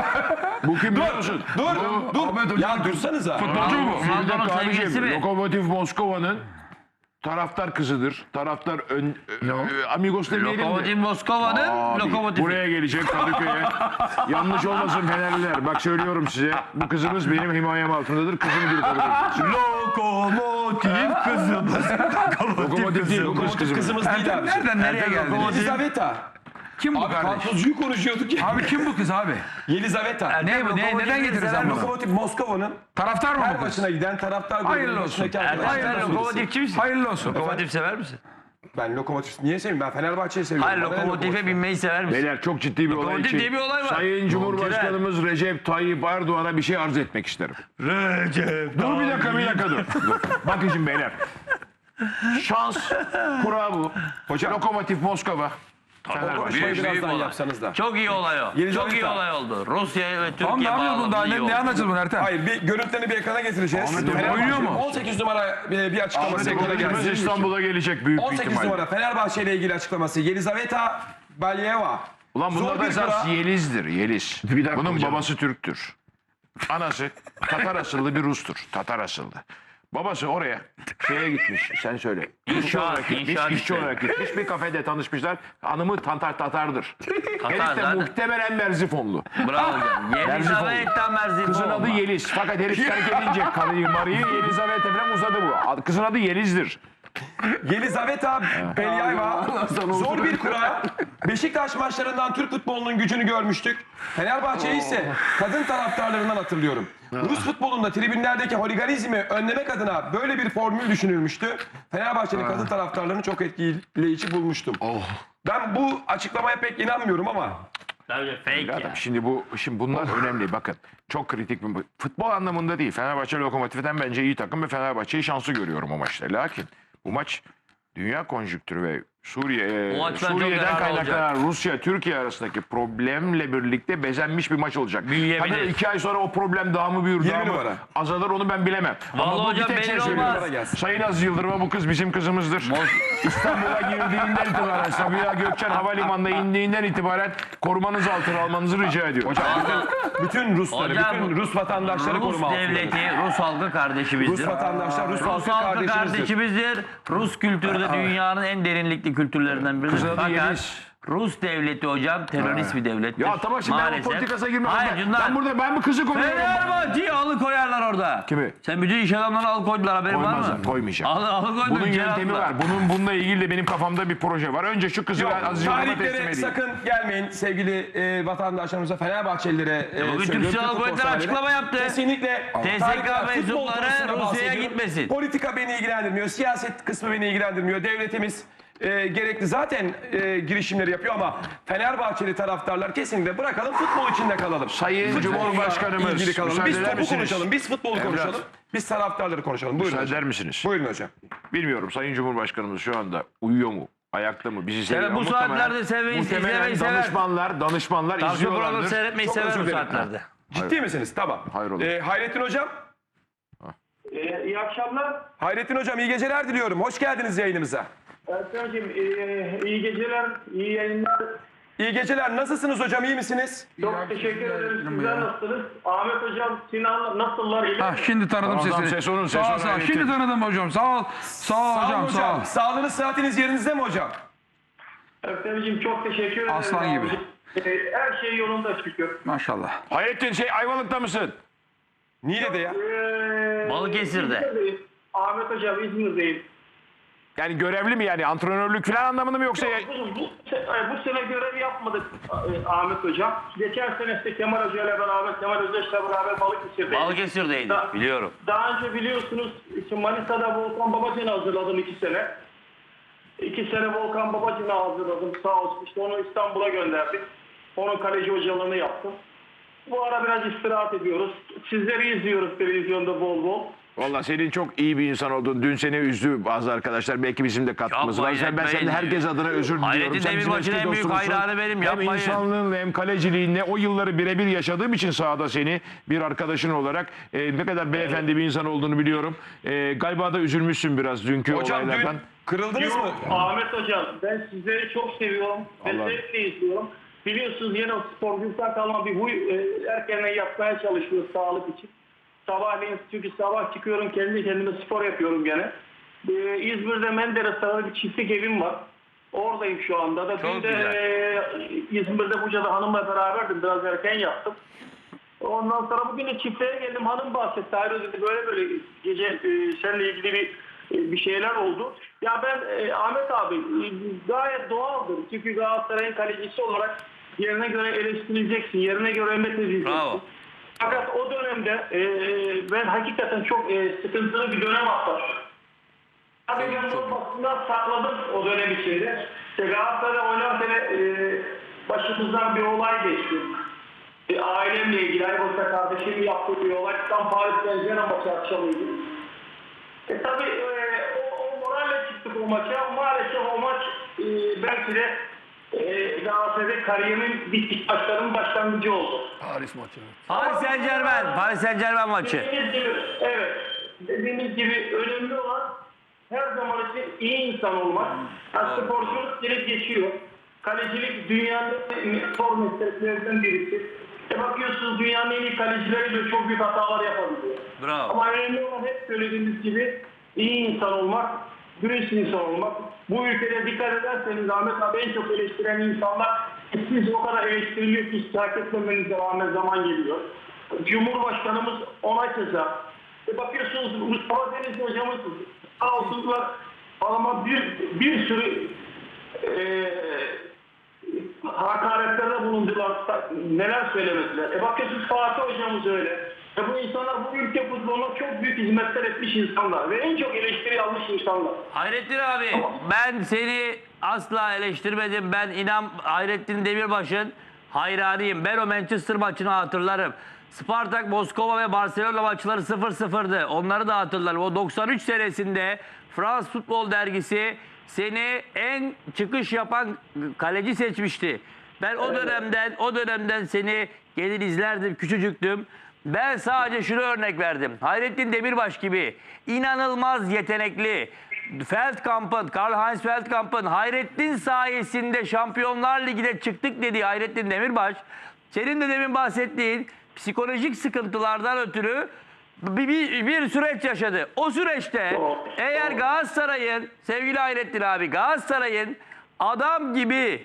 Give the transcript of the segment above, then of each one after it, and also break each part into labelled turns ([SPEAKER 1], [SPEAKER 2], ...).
[SPEAKER 1] Bu kim biliyor musun?
[SPEAKER 2] Dur. Ya dursanıza.
[SPEAKER 3] Futbolcu mu?
[SPEAKER 4] Ronaldo'nun
[SPEAKER 1] Abicim,
[SPEAKER 4] sevgilisi mi?
[SPEAKER 1] Lokomotiv Moskova'nın taraftar kızıdır. Taraftar amigos demeyelim
[SPEAKER 4] Lokomotiv
[SPEAKER 1] de.
[SPEAKER 4] Moskova'nın
[SPEAKER 1] Abi,
[SPEAKER 4] lokomotifi.
[SPEAKER 1] buraya gelecek Kadıköy'e. Yanlış olmasın Fenerliler. Bak söylüyorum size. Bu kızımız benim himayem altındadır. Kızım gibi kabul edin.
[SPEAKER 2] Lokomotiv kızımız.
[SPEAKER 1] Lokomotiv değil. Bu kız kızımız.
[SPEAKER 2] Kızımız değil abi.
[SPEAKER 3] Nereden nereye geldiniz?
[SPEAKER 2] Yelizaveta.
[SPEAKER 3] Kim bu
[SPEAKER 2] Abi
[SPEAKER 3] kardeş?
[SPEAKER 2] karpuzcuyu konuşuyorduk ya.
[SPEAKER 3] Abi kim bu kız abi?
[SPEAKER 2] Yelizaveta.
[SPEAKER 3] Ne bu? Neden getirdin sen bunu?
[SPEAKER 2] Lokomotiv Moskova'nın
[SPEAKER 3] Taraftar mı
[SPEAKER 2] her
[SPEAKER 3] bu kız?
[SPEAKER 2] maçına giden taraftar
[SPEAKER 3] Hayırlı
[SPEAKER 2] grubunun
[SPEAKER 3] olsun.
[SPEAKER 2] başındaki
[SPEAKER 4] Ertem
[SPEAKER 2] arkadaşlardan
[SPEAKER 4] sen
[SPEAKER 2] birisi.
[SPEAKER 4] lokomotifçi misin?
[SPEAKER 3] Hayırlı olsun.
[SPEAKER 4] Lokomotif sever misin?
[SPEAKER 2] Ben lokomotif niye sevmiyorum? Ben Fenerbahçe'yi seviyorum.
[SPEAKER 4] Hayır,
[SPEAKER 2] Bana ne
[SPEAKER 4] lokomotife binmeyi sever misin?
[SPEAKER 1] Beyler çok ciddi bir olay
[SPEAKER 4] Lokomotiv
[SPEAKER 1] için.
[SPEAKER 4] diye bir olay var.
[SPEAKER 1] Sayın Cumhurbaşkanımız Recep Tayyip Erdoğan'a bir şey arz etmek isterim. Dur bir dakika dur. Bakın şimdi beyler. Şans kura bu.
[SPEAKER 2] Hocam.
[SPEAKER 1] Lokomotiv Moskova.
[SPEAKER 2] O
[SPEAKER 1] Fenerbahçe.
[SPEAKER 2] konuşmayı
[SPEAKER 4] Büyük
[SPEAKER 2] birazdan
[SPEAKER 4] olay.
[SPEAKER 2] yapsanız da.
[SPEAKER 4] Çok iyi olay o.
[SPEAKER 2] Yelizaveta.
[SPEAKER 4] Çok iyi olay oldu. Rusya ve Türkiye
[SPEAKER 3] Tamam ne yapıyoruz bunu daha?
[SPEAKER 4] bağlamında iyi
[SPEAKER 3] Ne
[SPEAKER 4] oldu.
[SPEAKER 3] anlatacağız bunu Ertem?
[SPEAKER 2] Hayır bir görüntülerini bir ekrana getireceğiz.
[SPEAKER 1] Ahmet Hoca
[SPEAKER 2] Fenerbahçe
[SPEAKER 3] oynuyor mu?
[SPEAKER 2] 18 numara bir açıklaması
[SPEAKER 1] Ahmet
[SPEAKER 2] ekrana
[SPEAKER 1] Hoca'mız
[SPEAKER 2] gelsin.
[SPEAKER 1] İstanbul'a gelecek büyük bir
[SPEAKER 2] 18
[SPEAKER 1] ihtimalle.
[SPEAKER 2] numara Fenerbahçe ile ilgili açıklaması. Yelizaveta Balyeva.
[SPEAKER 1] Ulan
[SPEAKER 2] Zor
[SPEAKER 1] bunda da
[SPEAKER 2] bir
[SPEAKER 1] esas
[SPEAKER 2] kura.
[SPEAKER 1] Yeliz'dir, Yeliz. Bunun babası Türk'tür. Anası Tatar asıllı bir Rus'tur. Tatar asıllı. Babası oraya şeye gitmiş, sen söyle.
[SPEAKER 4] İnşaat
[SPEAKER 1] işçi
[SPEAKER 4] işte.
[SPEAKER 1] olarak gitmiş, bir kafede tanışmışlar. Hanımı Tatar'dır. Herif de
[SPEAKER 4] zaten.
[SPEAKER 1] muhtemelen Merzifonlu.
[SPEAKER 4] Bravo hocam. Yelizaveta Merzifova.
[SPEAKER 1] Kızın adı Yeliz. Fakat herif terk edince karıyı Mari'yi Yelizaveta falan uzadı bu. Kızın adı Yeliz'dir.
[SPEAKER 2] Yelizaveta Belyeva. Zor bir kura. Beşiktaş maçlarından Türk futbolunun gücünü görmüştük. Fenerbahçe'yi ise kadın taraftarlarından hatırlıyorum. Rus futbolunda tribünlerdeki holiganizmi önlemek adına böyle bir formül düşünülmüştü. Fenerbahçe'nin kadın taraftarlarını çok etkileyici bulmuştum. Ben bu açıklamaya pek inanmıyorum ama
[SPEAKER 4] Tabii fake ya.
[SPEAKER 1] Şimdi bunlar önemli bakın. Çok kritik bir futbol anlamında değil. Fenerbahçe Lokomotif'ten bence iyi takım ve Fenerbahçe'yi şanslı görüyorum o maçta. Lakin bu maç dünya konjüktürü ve
[SPEAKER 4] Bu maç ben çok
[SPEAKER 1] Suriye'den
[SPEAKER 4] yararlı
[SPEAKER 1] kaynaklanan Rusya-Türkiye arasındaki problemle birlikte bezenmiş bir maç olacak.
[SPEAKER 4] Büyüyebilir.
[SPEAKER 1] Tabii 2 ay sonra o problem daha mı büyür,
[SPEAKER 2] 20
[SPEAKER 1] daha mı
[SPEAKER 2] numara.
[SPEAKER 1] azalır onu ben bilemem.
[SPEAKER 4] Vallahi
[SPEAKER 1] Ama bu
[SPEAKER 4] hocam
[SPEAKER 1] bir tek şey
[SPEAKER 4] belli
[SPEAKER 1] söylüyorum.
[SPEAKER 4] olmaz.
[SPEAKER 1] Sayın Aziz Yıldırım'a bu kız bizim kızımızdır. İstanbul'a girdiğinden itibaren Sabiha Gökçen Havalimanı'na indiğinden itibaren korumanız altına almanızı rica ediyorum.
[SPEAKER 2] hocam bütün Rusları,
[SPEAKER 4] Hocam,
[SPEAKER 2] bütün Rus vatandaşları
[SPEAKER 4] Rus
[SPEAKER 2] koruma altında.
[SPEAKER 4] devleti, Rus halkı kardeşimizdir.
[SPEAKER 2] Rus vatandaşlar, Rus
[SPEAKER 4] Rus
[SPEAKER 2] halkı
[SPEAKER 4] halkı
[SPEAKER 2] kardeşimizdir.
[SPEAKER 4] kardeşimizdir. Rus kültürü de dünyanın en derinlikli kültürlerinden biridir.
[SPEAKER 1] Kızın adı
[SPEAKER 4] Fakat
[SPEAKER 1] Yeliz.
[SPEAKER 4] Rus devleti hocam terörist bir devlettir.
[SPEAKER 1] Ya tamam şimdi ben bu
[SPEAKER 4] Maalesef.
[SPEAKER 1] politikasına girmem.
[SPEAKER 4] Hayır
[SPEAKER 1] Ben bu kızı koruyorum.
[SPEAKER 4] Fenerbahçe'yi alıkoyarlar orada.
[SPEAKER 1] Kimi?
[SPEAKER 4] Sen bütün iş adamlarını alıkoydular haberin var mı?
[SPEAKER 1] Koymazlar, koymayacağım.
[SPEAKER 4] Alıkoydular.
[SPEAKER 1] Bunun yöntemi var. Bununla ilgili de benim kafamda bir proje var. Önce şu kızı
[SPEAKER 2] Yok,
[SPEAKER 1] ben Aziz Yıldırım'a teslim
[SPEAKER 2] tarihlere
[SPEAKER 1] edeyim.
[SPEAKER 2] sakın gelmeyin sevgili vatandaşlarımıza, Fenerbahçelilere
[SPEAKER 4] bugün Türk
[SPEAKER 2] söylüyorum,
[SPEAKER 4] Silahlı
[SPEAKER 2] futbol
[SPEAKER 4] Kuvvetleri
[SPEAKER 2] severlere.
[SPEAKER 4] açıklama yaptı.
[SPEAKER 2] Kesinlikle
[SPEAKER 4] TSK
[SPEAKER 2] tarihler, futbol
[SPEAKER 4] mensupları
[SPEAKER 2] konusunda
[SPEAKER 4] Rusya'ya
[SPEAKER 2] bahsediyorum.
[SPEAKER 4] gitmesin.
[SPEAKER 2] Politika beni ilgilendirmiyor, siyaset kısmı beni ilgilendirmiyor. Devletimiz gerekli zaten girişimleri yapıyor ama Fenerbahçeli taraftarlar kesinlikle bırakalım, futbol içinde kalalım.
[SPEAKER 1] Sayın
[SPEAKER 2] Futbolla
[SPEAKER 1] Cumhurbaşkanımız,
[SPEAKER 2] ilgili kalalım.
[SPEAKER 1] müsaade
[SPEAKER 2] Biz
[SPEAKER 1] eder
[SPEAKER 2] topu
[SPEAKER 1] misiniz?
[SPEAKER 2] konuşalım, biz futbolu
[SPEAKER 1] Evlat.
[SPEAKER 2] konuşalım, biz taraftarları konuşalım. Buyurun
[SPEAKER 1] Müsaade
[SPEAKER 2] hocam.
[SPEAKER 1] eder misiniz?
[SPEAKER 2] Buyurun hocam.
[SPEAKER 1] Bilmiyorum Sayın Cumhurbaşkanımız şu anda uyuyor mu? Ayakta mı? Bizi seviyor.
[SPEAKER 4] bu
[SPEAKER 1] Muhtemelen-
[SPEAKER 4] saatlerde izlemeyi
[SPEAKER 1] muhtemelen
[SPEAKER 4] sever.
[SPEAKER 1] danışmanlar
[SPEAKER 4] Tavsiye programı
[SPEAKER 1] izliyorlardır.
[SPEAKER 4] seyretmeyi
[SPEAKER 2] Çok
[SPEAKER 4] sever
[SPEAKER 2] özür
[SPEAKER 4] bu
[SPEAKER 2] dilerim.
[SPEAKER 4] saatlerde.
[SPEAKER 2] Ciddi misiniz? Tamam.
[SPEAKER 1] Hayrola.
[SPEAKER 2] Hayrettin hocam.
[SPEAKER 5] İyi akşamlar.
[SPEAKER 2] Hayrettin hocam iyi geceler diliyorum. Hoş geldiniz yayınımıza.
[SPEAKER 5] Erkan'cığım iyi geceler, iyi yayınlar.
[SPEAKER 2] İyi geceler. Nasılsınız hocam? İyi misiniz?
[SPEAKER 5] Çok teşekkür ederim. Sizler nasılsınız? Ahmet Hocam, Sinan nasıllar? İyi
[SPEAKER 3] Ha, şimdi tanıdım
[SPEAKER 1] Tamam,
[SPEAKER 3] sesini.
[SPEAKER 1] ses onun, ses
[SPEAKER 3] Sağ ol,
[SPEAKER 1] onun,
[SPEAKER 3] sağ ol.
[SPEAKER 1] Hayrettin.
[SPEAKER 3] Şimdi tanıdım hocam. Sağ ol. Sağ ol hocam. Sağ ol.
[SPEAKER 2] Sağlığınız, sıhhatiniz yerinizde mi hocam?
[SPEAKER 5] Erkan'cığım çok teşekkür ederim.
[SPEAKER 3] Aslan gibi.
[SPEAKER 5] abicim. Her şey yolunda şükür.
[SPEAKER 3] Maşallah.
[SPEAKER 1] Hayrettin Ayvalık'ta mısın?
[SPEAKER 2] Niğde'de ya.
[SPEAKER 4] Balıkesir'de.
[SPEAKER 5] İzmir'deyim. Ahmet Hocam İzmir'deyim.
[SPEAKER 1] Yani görevli mi yani? Antrenörlük falan anlamında mı yoksa?
[SPEAKER 5] Bu sene görev yapmadık Ahmet Hocam. Geçen sene işte Kemal Hoca ile beraber, Kemal Özdeş'le beraber Balıkesir'deydik.
[SPEAKER 4] Balıkesir'deydi biliyorum.
[SPEAKER 5] Daha önce biliyorsunuz işte Manisa'da Volkan Babacan'ı hazırladım 2 sene. 2 sene Volkan Babacan'ı hazırladım sağ olsun. İşte onu İstanbul'a gönderdik. Onun kaleci hocalığını yaptım. Bu ara biraz istirahat ediyoruz. Sizleri izliyoruz televizyonda bol bol.
[SPEAKER 1] Valla senin çok iyi bir insan oldun. Dün seni üzdü bazı arkadaşlar. Belki bizim de katkımız
[SPEAKER 4] Yapmayın,
[SPEAKER 1] var. Ben
[SPEAKER 4] etmeyin.
[SPEAKER 1] senin herkes adına özür diliyorum.
[SPEAKER 4] Hayrettin
[SPEAKER 1] Sen bizim
[SPEAKER 4] Demirbaş'ın
[SPEAKER 1] eski
[SPEAKER 4] en büyük
[SPEAKER 1] dostumuzsun.
[SPEAKER 4] hayranı benim,
[SPEAKER 1] Hem
[SPEAKER 4] yapmayın.
[SPEAKER 1] insanlığınla hem kaleciliğinle o yılları birebir yaşadığım için sahada seni bir arkadaşın olarak ne kadar beyefendi bir insan olduğunu biliyorum. Galiba da üzülmüşsün biraz dünkü
[SPEAKER 2] Hocam dün
[SPEAKER 1] olaylardan.
[SPEAKER 2] kırıldınız mı?
[SPEAKER 5] Yok Ahmet Hocam ben sizleri çok seviyorum. Ve
[SPEAKER 1] Allah.
[SPEAKER 5] zevkle izliyorum. Biliyorsunuz yine o sporculuktan kalma bir huy erkenden yapmaya çalışıyoruz sağlık için. Sabahleyin çünkü sabah çıkıyorum kendi kendime spor yapıyorum gene. İzmir'de Menderes'te bir çiftlik evim var. Oradayım şu anda da.
[SPEAKER 4] Çok
[SPEAKER 5] Dün de İzmir'de Buca'da hanımla beraberdim. Biraz erken yaptım. Ondan sonra bugün de çiftliğe geldim. Hanım bahsetti. Hayır dedi böyle gece seninle ilgili bir şeyler oldu. Ya ben Ahmet abi gayet doğaldır. Çünkü Galatasaray'ın kalecisi olarak yerine göre eleştirileceksin. Yerine göre emredeceksin.
[SPEAKER 4] Bravo.
[SPEAKER 5] Fakat o dönemde ben hakikaten çok sıkıntılı bir dönem atlattım. Tabii ben bunu basından sakladım o dönem içinde. İşte Galatasaray'da oynarken başımızdan bir olay geçti. Ailemle ilgili, Aybos'a kardeşim yaptığı bir olay. Tam Paris Saint-Germain maçı akşamıydı. Tabii o moralle çıktık o maça. Maalesef o maç belki de Galatasaray'da kariyerimin bitmiş maçlarının başlangıcı oldu.
[SPEAKER 4] Paris Saint-Germain maçı.
[SPEAKER 5] Dediğiniz gibi, evet. Dediğiniz gibi önemli olan her zaman için iyi insan olmak. Sporculuk gelip geçiyor. Kalecilik dünyanın spor mesleklerinden birisi. Bakıyorsunuz dünyanın en iyi kalecileri de çok büyük hatalar yapabiliyor.
[SPEAKER 4] Bravo.
[SPEAKER 5] Ama önemli olan hep söylediğimiz gibi iyi insan olmak, dürüst insan olmak. Bu ülkede dikkat ederseniz Ahmet abi en çok eleştiren insanlar siz o kadar eleştiriliyor ki hiç hak etmemenize rağmen zaman geliyor. Cumhurbaşkanımız ona keza. Bakıyorsunuz Mustafa Denizli hocamız sağ olsunlar ama bir sürü hakaretlerde bulundular. Neler söylemediler. Bakıyorsunuz Fatih hocamız öyle. Bu insanlar bu ülke futboluna çok büyük hizmetler etmiş insanlar ve en çok eleştiri almış insanlar.
[SPEAKER 4] Hayrettin abi ben seni asla eleştirmedim. Ben inan Hayrettin Demirbaş'ın hayranıyım. Ben o Manchester maçını hatırlarım. Spartak, Moskova ve Barcelona maçları 0-0'dı. Onları da hatırlarım. O 93 senesinde Fransız Futbol Dergisi seni en çıkış yapan kaleci seçmişti. Ben o dönemden seni gelir izlerdim, küçücüktüm. Ben sadece şunu örnek verdim. Hayrettin Demirbaş gibi inanılmaz yetenekli Feldkamp'ın, Karl-Heinz Feldkamp'ın Hayrettin sayesinde Şampiyonlar Ligi'ne çıktık dediği Hayrettin Demirbaş, senin de demin bahsettiğin psikolojik sıkıntılardan ötürü bir süreç yaşadı. O süreçte eğer Galatasaray'ın, sevgili Hayrettin abi, Galatasaray'ın adam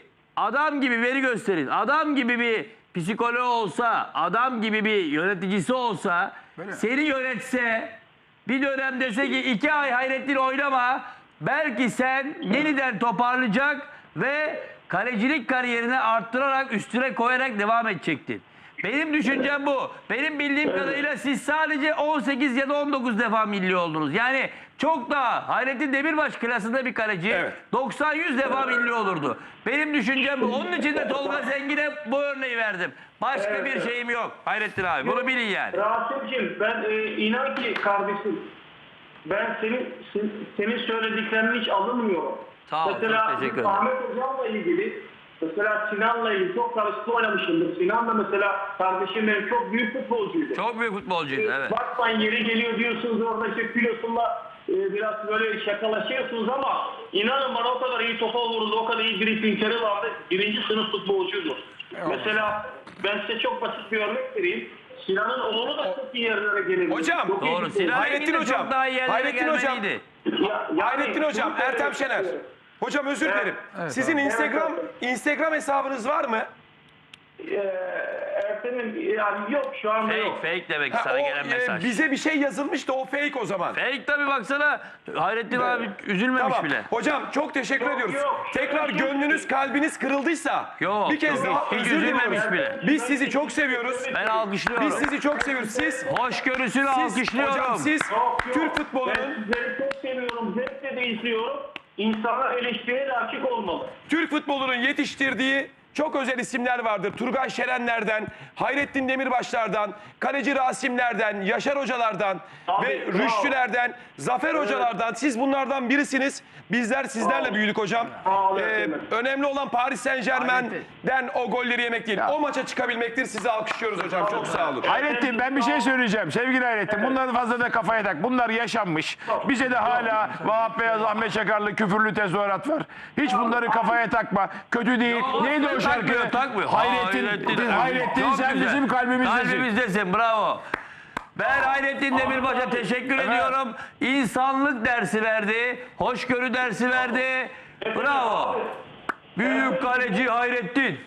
[SPEAKER 4] gibi veri gösterin, adam gibi bir psikoloğu olsa, adam gibi bir yöneticisi olsa, seni yönetse, bir dönem dese ki 2 ay Hayrettin oynama, belki sen yeniden toparlayacak ve kalecilik kariyerini arttırarak, üstüne koyarak devam edecektin. Benim düşüncem bu. Benim bildiğim kadarıyla siz sadece 18 ya da 19 defa milli oldunuz. Yani çok daha Hayrettin Demirbaş klasında bir kaleci 90-100 defa milli olurdu. Benim düşüncem bu. Onun için de Tolga Zengin'e bu örneği verdim. Başka bir şeyim yok Hayrettin abi. Bunu bilin yani.
[SPEAKER 5] Rasim'ciğim ben inan ki kardeşim ben senin söylediklerini hiç alınmıyorum.
[SPEAKER 4] Sağ ol,
[SPEAKER 5] Mesela
[SPEAKER 4] çok teşekkür ederim.
[SPEAKER 5] Ahmet Hocam'la ilgili mesela Sinan'la ilgili çok karışık oynamışımdır. Sinan da mesela kardeşim benim çok büyük futbolcuydu.
[SPEAKER 4] Çok büyük futbolcuydu evet.
[SPEAKER 5] Bakmayın yeri geliyor diyorsunuz orada işte kilosunla biraz böyle şakalaşıyorsunuz ama inanın bana o kadar iyi topa vurdu, o kadar iyi driplingleri vardı. 1. sınıf futbolcuydu. Mesela ben size çok basit bir örnek vereyim. Sinan'ın oğlu da çok iyi yerlere gelirdi.
[SPEAKER 2] Hocam,
[SPEAKER 5] Çok iyi
[SPEAKER 4] Doğru.
[SPEAKER 5] futbolcu.
[SPEAKER 4] Sinan
[SPEAKER 2] Hayrettin
[SPEAKER 4] Engin de
[SPEAKER 2] hocam,
[SPEAKER 4] çok daha iyi yerlere
[SPEAKER 2] Hayrettin hocam.
[SPEAKER 4] gelmeliydi.
[SPEAKER 2] Hayrettin hocam, Ertem Şener. Hocam özür dilerim. Sizin Instagram hesabınız var mı?
[SPEAKER 5] Ertem'in yani yok şu anda yok.
[SPEAKER 4] Fake demek sana gelen mesaj.
[SPEAKER 2] Bize bir şey yazılmış da o fake o zaman.
[SPEAKER 4] Fake tabii baksana. Hayrettin abi üzülmemiş
[SPEAKER 2] Tamam.
[SPEAKER 4] bile.
[SPEAKER 2] Hocam çok teşekkür ediyoruz. Tekrar gönlünüz, kalbiniz kırıldıysa
[SPEAKER 4] Yok,
[SPEAKER 2] bir kez
[SPEAKER 4] yok.
[SPEAKER 2] daha
[SPEAKER 4] Hiç
[SPEAKER 2] özür
[SPEAKER 4] üzülmemiş
[SPEAKER 2] diliyoruz.
[SPEAKER 4] bile.
[SPEAKER 2] Biz sizi çok seviyoruz.
[SPEAKER 4] Ben alkışlıyorum.
[SPEAKER 2] Biz sizi çok seviyoruz. Siz
[SPEAKER 4] Hoşgörüsünü alkışlıyorum.
[SPEAKER 2] hocam siz
[SPEAKER 5] Yok.
[SPEAKER 2] Türk
[SPEAKER 5] Ben
[SPEAKER 2] futbolunun
[SPEAKER 5] sizleri çok seviyorum. Zevkle de izliyorum. İnsanlar eleştiriye de açık olmalı.
[SPEAKER 2] Türk futbolunun yetiştirdiği çok özel isimler vardır. Turgay Şerenler'den, Hayrettin Demirbaşlar'dan, Kaleci Rasimler'den, Yaşar Hocalar'dan
[SPEAKER 5] Abi,
[SPEAKER 2] ve
[SPEAKER 5] bravo.
[SPEAKER 2] Rüştüler'den, Zafer Hocalar'dan. Siz bunlardan birisiniz. Bizler sizlerle büyüdük hocam.
[SPEAKER 5] Bravo, efendim.
[SPEAKER 2] Önemli olan Paris Saint-Germain'den o golleri yemek değil. O maça çıkabilmektir. Sizi alkışlıyoruz hocam. Çok sağ olun.
[SPEAKER 1] Hayrettin ben bir şey söyleyeceğim. Sevgili Hayrettin bunları fazla da kafaya tak. Bunlar yaşanmış. Bize de hala Vahap Beyaz, Ahmet Çakarlı küfürlü tezahürat var. Hiç bunları kafaya takma. Kötü değil. Neydi o şarkı.
[SPEAKER 4] takmıyor.
[SPEAKER 1] Hayrettin
[SPEAKER 4] Çok
[SPEAKER 1] sen
[SPEAKER 4] güzel.
[SPEAKER 1] bizim kalbimizdesin.
[SPEAKER 4] Kalbimizdesin, bravo. Ben Hayrettin Demirbaş'a teşekkür ediyorum. İnsanlık dersi verdi, hoşgörü dersi verdi. Bravo. Büyük kaleci Hayrettin.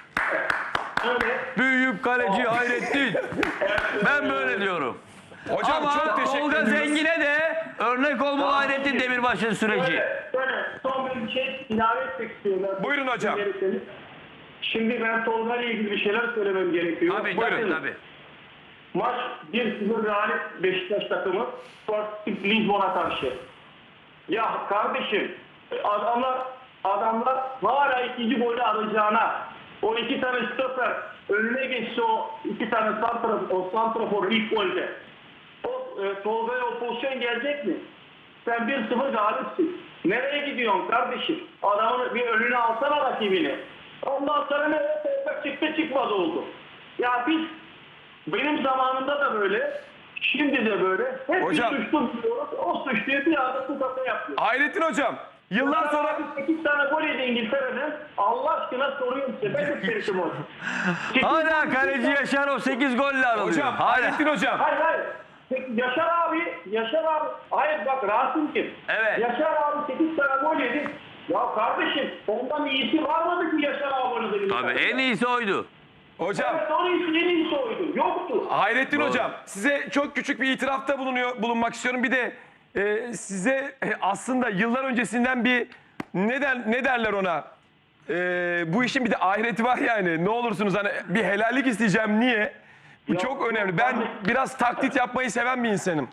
[SPEAKER 4] Büyük kaleci Hayrettin. Ben böyle diyorum.
[SPEAKER 2] Hocam
[SPEAKER 4] Ama
[SPEAKER 2] çok teşekkür
[SPEAKER 4] Tolga
[SPEAKER 2] ediyoruz.
[SPEAKER 4] Zengin'e de örnek olmalı Hayrettin Demirbaş'ın süreci.
[SPEAKER 5] Şöyle son bir şey ilave etmek istiyorum.
[SPEAKER 2] Buyurun hocam.
[SPEAKER 5] Şimdi ben Tolga ile ilgili bir şeyler söylemem gerekiyor.
[SPEAKER 4] Tabii
[SPEAKER 5] Bakın,
[SPEAKER 4] tabii.
[SPEAKER 5] Maç 1-0 galip Beşiktaş takımı Sporting Lisbon'a karşı. Ya kardeşim adamlar hala ikinci golü arayacağına o iki tane stoper önüne geçse o iki tane santrafor ilk golde. Tolga'ya o pozisyon gelecek mi? Sen 1-0 galipsin. Nereye gidiyorsun kardeşim? Adamın bir önüne alsana rakibini. Ondan sonra ne çıktı çıkmaz oldu. Ya biz benim zamanımda da böyle, şimdi de böyle. Hep
[SPEAKER 2] Hocam.
[SPEAKER 5] bir suçlu buluyoruz. O suçluyu bir anda tutakla yapıyor.
[SPEAKER 2] Hayrettin hocam yıllar sonra
[SPEAKER 5] 8 tane gol yedi İngiltere'den. Allah aşkına soruyorum size. Ben de Ferit'im o.
[SPEAKER 4] Hala kaleci Yaşar o 8 golle aralıyor.
[SPEAKER 2] hocam
[SPEAKER 4] Hala.
[SPEAKER 2] Hayrettin hocam.
[SPEAKER 5] Hayır. Yaşar abi. Hayır bak Rasim kim?
[SPEAKER 4] Evet.
[SPEAKER 5] Yaşar abi 8 tane gol yedi. Ya kardeşim ondan iyisi var mıydı ki Yaşar abi?
[SPEAKER 4] Tabii en iyisi oydu.
[SPEAKER 2] Hocam
[SPEAKER 5] Evet onun iyisi en iyisi oydu. Yoktu.
[SPEAKER 2] Hayrettin hocam size çok küçük bir itirafta bulunmak istiyorum. Bir de size aslında yıllar öncesinden bir ne derler ona? Bu işin bir de ahireti var yani. Ne olursunuz hani bir helallik isteyeceğim. Niye? Bu çok önemli. Ben biraz taklit yapmayı seven bir insanım.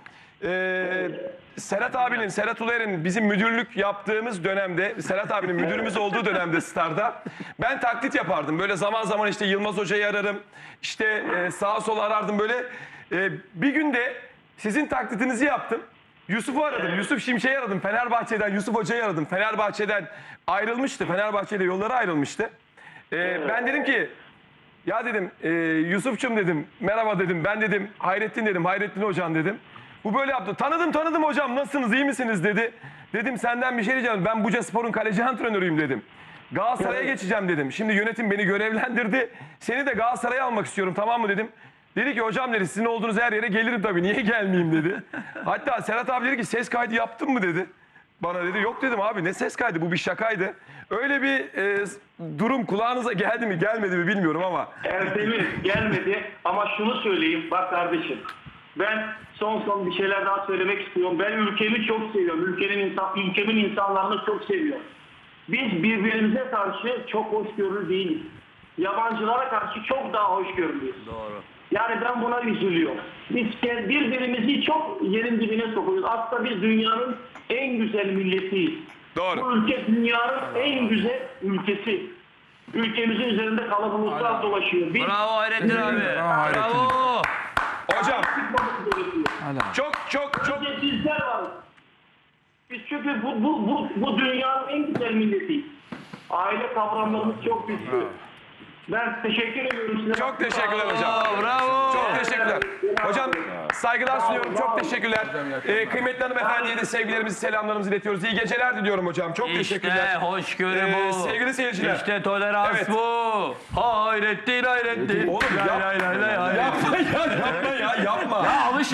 [SPEAKER 2] Serhat Uler'in bizim müdürlük yaptığımız dönemde, Serhat abinin müdürümüz olduğu dönemde Star'da ben taklit yapardım. Böyle zaman zaman işte Yılmaz Hoca'yı ararım, işte sağa sola arardım böyle. Bir günde sizin taklitinizi yaptım. Yusuf'u aradım, Yusuf Şimşek'i aradım, Fenerbahçe'den Yusuf Hoca'yı aradım. Fenerbahçe'den ayrılmıştı, Fenerbahçe'yle yolları ayrılmıştı. Ben dedim ki, ya dedim Yusuf'cum dedim, merhaba dedim, ben dedim Hayrettin dedim, Hayrettin Hocam dedim. Bu böyle yaptı. Tanıdım hocam, nasılsınız, iyi misiniz dedi. Dedim senden bir şey diyeceğim, ben Bucaspor'un kaleci antrenörüyüm dedim. Galatasaray'a geçeceğim dedim. Şimdi yönetim beni görevlendirdi. Seni de Galatasaray'a almak istiyorum, tamam mı dedim. Dedi ki hocam dedi sizin olduğunuz her yere gelirim tabii, niye gelmeyeyim dedi. Hatta Serhat abi dedi ki ses kaydı yaptın mı dedi. Bana dedi yok dedim abi ne ses kaydı, bu bir şakaydı. Öyle bir durum kulağınıza geldi mi gelmedi mi bilmiyorum ama.
[SPEAKER 5] Erdemir gelmedi ama şunu söyleyeyim bak kardeşim. Ben son bir şeyler daha söylemek istiyorum. Ben ülkemi çok seviyorum. Ülkemin insanlarını çok seviyorum. Biz birbirimize karşı çok hoşgörülü değiliz. Yabancılara karşı çok daha hoşgörülüyüz.
[SPEAKER 4] Doğru.
[SPEAKER 5] Yani ben buna üzülüyorum. Biz birbirimizi çok yerin dibine sokuyoruz. Aslında biz dünyanın en güzel milletiyiz.
[SPEAKER 2] Doğru.
[SPEAKER 5] Bu ülke dünyanın en güzel ülkesi. Ülkemizin üzerinde kalabalıklar dolaşıyor. Biz
[SPEAKER 4] Bravo Hayrettin abi.
[SPEAKER 3] Hayrettin.
[SPEAKER 4] Bravo.
[SPEAKER 2] Hocam
[SPEAKER 5] çıkmamız gerekiyor.
[SPEAKER 2] çok
[SPEAKER 5] Sadece bizler varız. Biz çünkü bu dünyanın en güzel milletiyiz. Aile kavramlarımız çok güçlü. Ben teşekkür ediyorum size.
[SPEAKER 2] çok teşekkürler hocam.
[SPEAKER 4] Bravo.
[SPEAKER 2] Çok teşekkürler. Hocam saygılar sunuyorum. Çok teşekkürler. Kıymetli hanımefendiye de sevgilerimizi, selamlarımızı iletiyoruz. İyi geceler diliyorum hocam. Çok teşekkürler.
[SPEAKER 4] İşte hoşgörü bu.
[SPEAKER 2] Sevgili seyirciler.
[SPEAKER 4] İşte tolerans
[SPEAKER 2] Evet.
[SPEAKER 4] bu. Hayrettin.
[SPEAKER 2] Oğlum yapma ya yapma.
[SPEAKER 3] Alışın.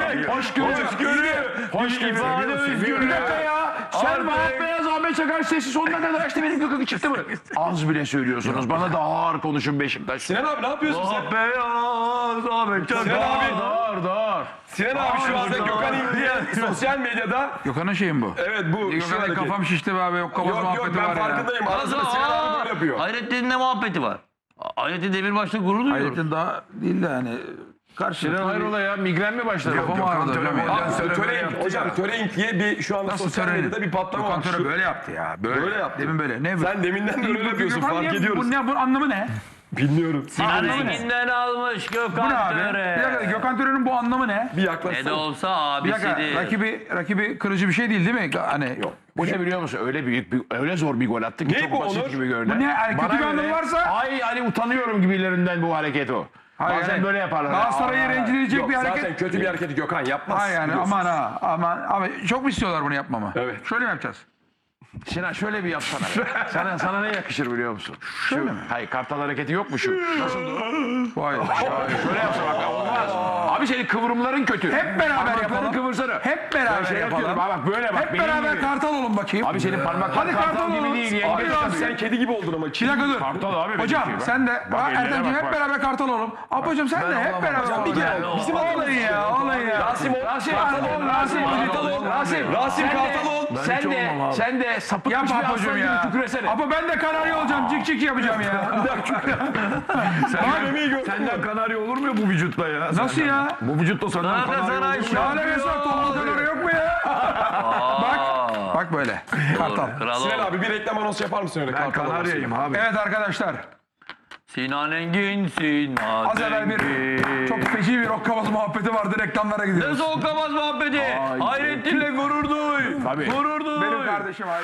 [SPEAKER 3] Hoşgörü.
[SPEAKER 4] İfade özgürlüğü.
[SPEAKER 3] Bir dakika ya. Sen
[SPEAKER 4] Artık-
[SPEAKER 3] Vahap Beyaz, Ahmet Çakar sesi sonuna kadar açtı, benim gıkık çıktı mı?
[SPEAKER 1] Az bile söylüyorsunuz. Bana da ağır konuşun Beşiktaş.
[SPEAKER 2] Sinan abi ne yapıyorsun sen?
[SPEAKER 4] Ah beyaz Ahmet Çakar.
[SPEAKER 2] Sinan abi,
[SPEAKER 1] Dar.
[SPEAKER 2] Sinan abi şu anda Gökhan İldi'ye sosyal medyada.
[SPEAKER 3] Gökhan'ın şeyi mi bu?
[SPEAKER 2] Evet bu şu
[SPEAKER 3] Gökhan'ın
[SPEAKER 2] hareket.
[SPEAKER 3] kafam şişti be abi. Yok kafam
[SPEAKER 2] Yok
[SPEAKER 3] muhabbeti
[SPEAKER 2] ben
[SPEAKER 3] var ya.
[SPEAKER 2] farkındayım. Arasında Sinan abi böyle yapıyor.
[SPEAKER 4] Hayrettin'in ne muhabbeti var? Hayrettin Demirbaş'la gurur duyuyoruz.
[SPEAKER 3] Hayrettin daha değil de hani karşılıklı.
[SPEAKER 1] Hayrola ya migren mi başladı?
[SPEAKER 3] Kafam ağrıdı hocam ya.
[SPEAKER 2] Hocam Törenk diye bir şu anda
[SPEAKER 3] Nasıl
[SPEAKER 2] sosyal
[SPEAKER 3] töreni?
[SPEAKER 2] medyada bir patlama
[SPEAKER 3] Gökhan
[SPEAKER 2] var.
[SPEAKER 3] Töre böyle yaptı ya. Böyle
[SPEAKER 2] yaptı.
[SPEAKER 3] Demin böyle. Ne bu?
[SPEAKER 2] Sen deminden de öyle yapıyorsun
[SPEAKER 3] Gökhan
[SPEAKER 2] fark
[SPEAKER 3] niye-
[SPEAKER 2] ediyoruz.
[SPEAKER 3] Bunun anlamı ne?
[SPEAKER 2] Bilmiyorum.
[SPEAKER 4] Renginden almış
[SPEAKER 3] Bu ne
[SPEAKER 4] Gökhan
[SPEAKER 3] abi? Bir dakika,
[SPEAKER 4] Töre.
[SPEAKER 3] Gökhan Töre'nin bu anlamı ne?
[SPEAKER 2] Bir
[SPEAKER 4] Ne de
[SPEAKER 2] yaklaşsana.
[SPEAKER 4] olsa
[SPEAKER 3] Bir dakika,
[SPEAKER 4] abisidir.
[SPEAKER 3] rakibi kırıcı bir şey değil mi? Hani yok.
[SPEAKER 1] Bu ne biliyor musun? Öyle zor bir gol attı ki
[SPEAKER 2] Ne
[SPEAKER 1] çok
[SPEAKER 2] bu
[SPEAKER 1] basit
[SPEAKER 2] Onur?
[SPEAKER 1] gibi görünen.
[SPEAKER 3] Bu ne? Yani kötü
[SPEAKER 1] Bana
[SPEAKER 3] bir anlamı
[SPEAKER 1] göre-
[SPEAKER 3] varsa-
[SPEAKER 1] Ay hani utanıyorum gibilerinden bu hareket o.
[SPEAKER 3] Hayır,
[SPEAKER 1] Bazen
[SPEAKER 3] yani
[SPEAKER 1] böyle yaparlar.
[SPEAKER 3] Galatasaray'ı
[SPEAKER 1] Aa,
[SPEAKER 3] rencide edecek
[SPEAKER 2] Yok
[SPEAKER 3] bir hareket.
[SPEAKER 2] zaten kötü bir hareketi Gökhan yapmaz.
[SPEAKER 3] Ha yani
[SPEAKER 2] biliyorsun.
[SPEAKER 3] aman ha aman. Ama çok mu istiyorlar bunu yapmamı?
[SPEAKER 2] Evet.
[SPEAKER 3] Şöyle mi yapacağız?
[SPEAKER 1] Sinan şöyle bir yapsana. Sana ne yakışır biliyor musun? Şu, hayır kartal hareketi yok mu şu? Nasıl o?
[SPEAKER 3] Vay.
[SPEAKER 1] Şöyle yapsa bak olmaz. Abi senin kıvrımların kötü.
[SPEAKER 3] Hep beraber
[SPEAKER 1] Parmakların
[SPEAKER 3] yapalım.
[SPEAKER 1] kıvırsana.
[SPEAKER 3] Hep beraber
[SPEAKER 1] Şey
[SPEAKER 3] yapalım.
[SPEAKER 1] yapıyorum. Bak böyle bak.
[SPEAKER 3] Hep
[SPEAKER 1] benim
[SPEAKER 3] beraber
[SPEAKER 1] gibi.
[SPEAKER 3] kartal olun bakayım.
[SPEAKER 1] Abi senin parmakların
[SPEAKER 3] Hadi
[SPEAKER 1] kartal,
[SPEAKER 3] kartal
[SPEAKER 1] gibi
[SPEAKER 3] olun.
[SPEAKER 1] değil.
[SPEAKER 3] Abi
[SPEAKER 1] Yenge
[SPEAKER 3] Rasim.
[SPEAKER 2] Sen kedi gibi oldun ama.
[SPEAKER 3] Bir dakika dur.
[SPEAKER 1] Kartal abi benimki
[SPEAKER 3] Hocam
[SPEAKER 1] bak.
[SPEAKER 3] sen de.
[SPEAKER 1] Bak eline
[SPEAKER 3] Ertemciğim
[SPEAKER 1] bak,
[SPEAKER 3] hep
[SPEAKER 1] bak.
[SPEAKER 3] beraber kartal olalım. Ablacığım sen de hep beraber.
[SPEAKER 2] Hocam bir kere bizim
[SPEAKER 3] Olun ya, olun ya.
[SPEAKER 2] Rasim ol.
[SPEAKER 3] Rasim kartal ol.
[SPEAKER 2] Rasim kartal ol.
[SPEAKER 1] Sen de sapık
[SPEAKER 3] Yap
[SPEAKER 1] bir
[SPEAKER 3] Apo'cum
[SPEAKER 1] aslan gibi
[SPEAKER 3] ya.
[SPEAKER 1] tüküresene.
[SPEAKER 3] Apo ben de kanarya olacağım. Cik cik yapacağım ya.
[SPEAKER 1] Senden kanarya olur mu ya bu vücutla ya?
[SPEAKER 3] Nasıl ya?
[SPEAKER 1] Bu vücutla senden
[SPEAKER 4] Galatasaray
[SPEAKER 3] Şahane mesela tombul kanarya yok mu ya? Bak. Bak böyle. Kartal.
[SPEAKER 4] Kral
[SPEAKER 2] Sinan
[SPEAKER 4] ol.
[SPEAKER 2] abi bir reklam anonsu yapar mısın öyle?
[SPEAKER 1] Ben
[SPEAKER 2] Kartal
[SPEAKER 1] kanaryayım
[SPEAKER 2] anonsu.
[SPEAKER 1] abi.
[SPEAKER 3] Evet arkadaşlar.
[SPEAKER 4] Sinan Engin, Sinan
[SPEAKER 3] Az evvel bir çok feci bir rock muhabbeti vardı. Reklamlara
[SPEAKER 4] Ne
[SPEAKER 3] gidiyoruz.
[SPEAKER 4] soğuk kamaz muhabbeti. Hayrettin'le gurur duy.
[SPEAKER 1] Tabii.
[SPEAKER 4] Gurur duy.
[SPEAKER 3] Benim kardeşim ayrı.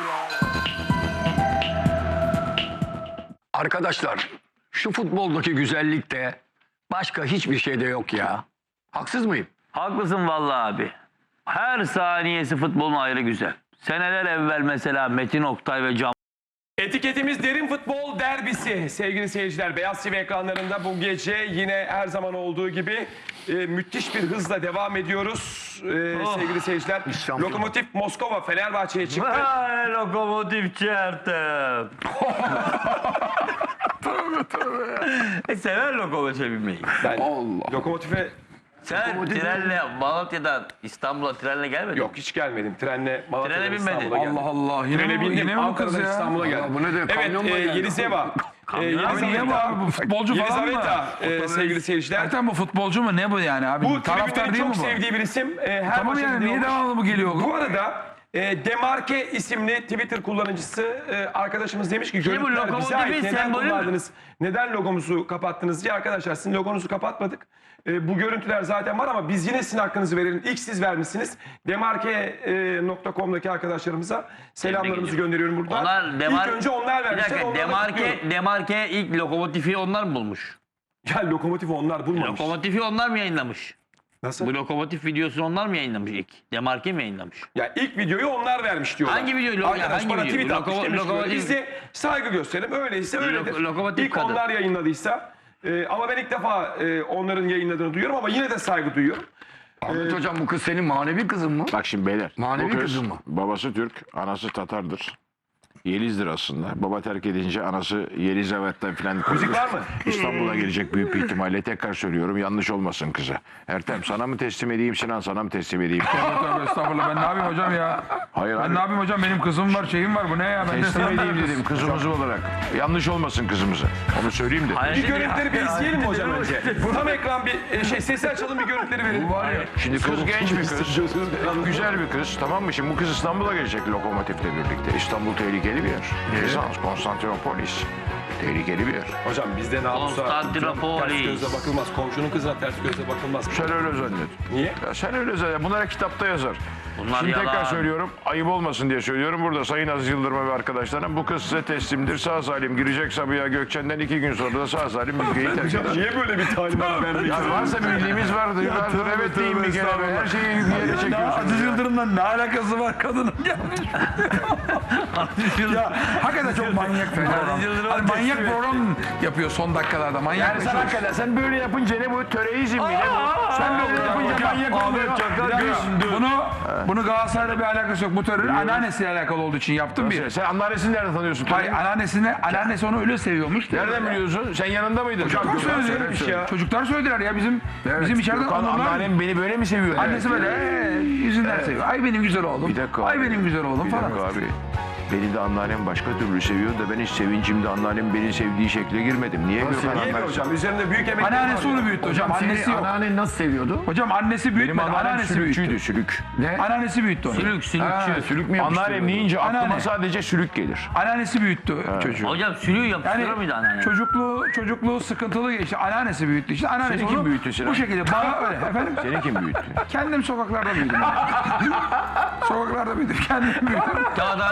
[SPEAKER 6] Arkadaşlar şu futboldaki güzellikte başka hiçbir şeyde yok ya. Haksız mıyım?
[SPEAKER 4] Haklısın vallahi abi. Her saniyesi futbolun ayrı güzel. Seneler evvel mesela Metin Oktay ve Can
[SPEAKER 2] Etiketimiz Derin Futbol Derbisi. Sevgili seyirciler, Beyaz TV ekranlarında bu gece yine her zaman olduğu gibi müthiş bir hızla devam ediyoruz. Sevgili seyirciler, Lokomotiv Moskova Fenerbahçe'ye çıktı.
[SPEAKER 4] Ay, lokomotif çertem. Sever lokomotive binmeyi.
[SPEAKER 2] Ben Lokomotif'e
[SPEAKER 4] Sen trenle Malatya'dan İstanbul'a trenle gelmedin.
[SPEAKER 2] yok hiç gelmedim. Trenle Malatya'dan
[SPEAKER 4] Trene binmedin.
[SPEAKER 2] İstanbul'a geldim.
[SPEAKER 3] Allah Allah.
[SPEAKER 2] Trene bindim.
[SPEAKER 3] Yine mi bu kız
[SPEAKER 2] Ankara'dan
[SPEAKER 3] ya?
[SPEAKER 2] İstanbul'a geldim.
[SPEAKER 6] bu ne de,
[SPEAKER 2] Evet,
[SPEAKER 6] kamyonla geldi.
[SPEAKER 2] Yelizeva.
[SPEAKER 3] Abi niye bu abi? Bu futbolcu falan mı?
[SPEAKER 2] Yelizaveta sevgili seyirciler.
[SPEAKER 3] Ertem bu futbolcu mu? Ne bu yani abi?
[SPEAKER 2] Bu
[SPEAKER 3] Taraftar
[SPEAKER 2] tribünlerin
[SPEAKER 3] değil mi
[SPEAKER 2] çok
[SPEAKER 3] bu?
[SPEAKER 2] sevdiği bir isim. Her
[SPEAKER 3] Tamam
[SPEAKER 2] maça
[SPEAKER 3] yani niye
[SPEAKER 2] gidiyormuş.
[SPEAKER 3] devamlı bu geliyor?
[SPEAKER 2] Bu arada Demarke isimli Twitter kullanıcısı arkadaşımız demiş ki
[SPEAKER 4] bu,
[SPEAKER 2] görüntüler bize
[SPEAKER 4] lokomotifin
[SPEAKER 2] ait. Neden
[SPEAKER 4] sembolü mü?
[SPEAKER 2] kullandınız? Neden logomuzu kapattınız diye arkadaşlar sizin logonuzu kapatmadık. Bu görüntüler zaten var ama biz yine sizin hakkınızı verelim. İlk siz vermişsiniz. Demarke.com'daki arkadaşlarımıza selamlarımızı gönderiyorum buradan.
[SPEAKER 4] Onlar
[SPEAKER 2] İlk önce onlar
[SPEAKER 4] Bir
[SPEAKER 2] vermişler.
[SPEAKER 4] dakika,
[SPEAKER 2] onlara da kutluyorum.
[SPEAKER 4] Demarke ilk lokomotifi onlar mı bulmuş?
[SPEAKER 2] Ya lokomotifi onlar bulmamış.
[SPEAKER 4] Lokomotifi onlar mı yayınlamış?
[SPEAKER 2] Nasıl?
[SPEAKER 4] Bu lokomotif videosunu onlar mı yayınlamış ilk? Demarke mi yayınlamış?
[SPEAKER 2] Ya ilk videoyu onlar vermiş diyorlar.
[SPEAKER 4] Hangi video?
[SPEAKER 2] Arkadaş
[SPEAKER 4] Hangi
[SPEAKER 2] bana
[SPEAKER 4] video?
[SPEAKER 2] tweet atmış demiş ki,
[SPEAKER 4] Lokomotif-
[SPEAKER 2] biz de saygı gösterelim. Öyleyse öyledir.
[SPEAKER 4] Lokomotif
[SPEAKER 2] İlk
[SPEAKER 4] kadın.
[SPEAKER 2] onlar yayınladıysa. Ama ben ilk defa onların yayınladığını duyuyorum ama yine de saygı duyuyorum.
[SPEAKER 6] Ahmet hocam bu kız senin manevi kızın mı?
[SPEAKER 1] Bak şimdi beyler.
[SPEAKER 6] Manevi
[SPEAKER 1] bu kız,
[SPEAKER 6] kızı mı?
[SPEAKER 1] babası Türk, anası Tatar'dır. Yeliz'dir aslında. Baba terk edince anası Yelizavet'ten filan
[SPEAKER 2] Müzik var mı?
[SPEAKER 1] İstanbul'a gelecek büyük bir ihtimalle. Tekrar söylüyorum yanlış olmasın kıza. Ertem sana mı teslim edeyim Sinan sana mı teslim edeyim?
[SPEAKER 3] Tövbe estağfurullah ben ne yapayım hocam ya?
[SPEAKER 1] Hayır
[SPEAKER 3] Ben
[SPEAKER 1] abi.
[SPEAKER 3] ne yapayım hocam benim kızım var şeyim var bu ne ya? Ben de
[SPEAKER 1] Teslim
[SPEAKER 3] sana
[SPEAKER 1] edeyim dedim kızımız olarak. Yanlış olmasın kızımıza. Onu söyleyeyim de.
[SPEAKER 2] Bir görüntüleri bir izleyelim mi hocam önce? Tam ekran bir sesi açalım bir görüntüleri verelim.
[SPEAKER 1] Şimdi kız genç bir kız. Güzel bir kız tamam mı? Şimdi bu kız İstanbul'a gelecek Lokomotif'le birlikte. İstanbul tehlikeli bir yer. Bizans, Konstantinopolis. Tehlikeli bir yer.
[SPEAKER 2] Hocam bizde namusa
[SPEAKER 4] Konstantinopolis.
[SPEAKER 2] ters gözle bakılmaz. Komşunun kızına ters gözle bakılmaz.
[SPEAKER 1] Sen öyle zannet.
[SPEAKER 2] Niye?
[SPEAKER 1] Ya sen öyle zannet. Bunlar kitapta yazar.
[SPEAKER 4] Bunlar
[SPEAKER 1] Şimdi
[SPEAKER 4] yalan.
[SPEAKER 1] tekrar söylüyorum. Ayıp olmasın diye söylüyorum. Burada Sayın Aziz Yıldırım ve arkadaşlarım bu kız size teslimdir. Sağ salim girecek Sabiha Gökçen'den 2 gün sonra da sağ salim ülkeyi terk eder.
[SPEAKER 2] Niye böyle bir talimat vermek
[SPEAKER 1] Ya varsa bildiğimiz vardır. Vardır. Evet deyin bir kere. be. Her şeyi yere çekiyorsun.
[SPEAKER 3] Aziz Yıldırım'dan ne alakası var kadının gelmiş. Ya hakikaten çok manyak fena.
[SPEAKER 4] Yıldırım
[SPEAKER 3] Hani manyak
[SPEAKER 4] teslim
[SPEAKER 3] program yapıyor son dakikalarda manyak.
[SPEAKER 1] Yani sen hakikaten sen böyle yapınca ne bu? Töreizm mi ne bu? Sen böyle yapınca manyak oluyor.
[SPEAKER 3] Bunu Galatasaray'la bir alakası yok. Bu terör anneannesiyle alakalı olduğu için yaptım bir.
[SPEAKER 1] Sen anneannesini nereden tanıyorsun?
[SPEAKER 3] Hayır anneannesi onu öyle seviyormuş.
[SPEAKER 1] Nereden biliyorsun? Sen yanında mıydın?
[SPEAKER 3] Çocuklar söyledi. Çocuklar söylediler ya bizim içeriden
[SPEAKER 1] Gökhan,
[SPEAKER 3] onurlar.
[SPEAKER 1] anneannem beni böyle mi seviyor?
[SPEAKER 3] Annesi böyle yüzünden seviyor. Ay benim güzel oğlum.
[SPEAKER 1] Bir dakika
[SPEAKER 3] Ay
[SPEAKER 1] abi.
[SPEAKER 3] benim güzel oğlum
[SPEAKER 1] Bir
[SPEAKER 3] falan.
[SPEAKER 1] dakika abi. Beni de anneannem başka türlü seviyor da ben hiç sevincimde anneannem beni sevdiği şekle girmedim. Niye Gökhan
[SPEAKER 2] Niye mi
[SPEAKER 1] anlar?
[SPEAKER 2] hocam? Üzerinde büyük emek
[SPEAKER 3] Anneannesi onu büyüttü hocam. Annesi yok.
[SPEAKER 6] Anneannen nasıl seviyordu?
[SPEAKER 3] Hocam annesi
[SPEAKER 1] Benim
[SPEAKER 3] büyütmedi.
[SPEAKER 1] anneannem
[SPEAKER 3] Anneannesi büyüttü.
[SPEAKER 1] sülükçüydü sülük.
[SPEAKER 6] Ne?
[SPEAKER 3] Anneannesi büyüttü onu.
[SPEAKER 4] Sülük,
[SPEAKER 6] Ha,
[SPEAKER 4] sülükçü.
[SPEAKER 6] sülük mü
[SPEAKER 1] Anneannem
[SPEAKER 6] yapıştırıyordu?
[SPEAKER 1] deyince aklıma
[SPEAKER 3] Anneanne.
[SPEAKER 1] sadece sülük gelir.
[SPEAKER 3] Anneannesi büyüttü çocuğu.
[SPEAKER 4] Hocam sülüğü yapıştırır
[SPEAKER 3] Yani
[SPEAKER 4] mıydı anneanne?
[SPEAKER 3] çocukluğu sıkıntılı geçti. Anneannesi büyüttü işte. Anneannesi
[SPEAKER 1] Seni kim
[SPEAKER 3] onu
[SPEAKER 1] büyüttü Sinan?
[SPEAKER 3] bu şekilde bana öyle efendim.
[SPEAKER 1] Seni kim büyüttü?
[SPEAKER 3] Kendim sokaklarda büyüdüm. Sokaklarda büyüdüm. Kendim büyüdüm.
[SPEAKER 4] Kağıthane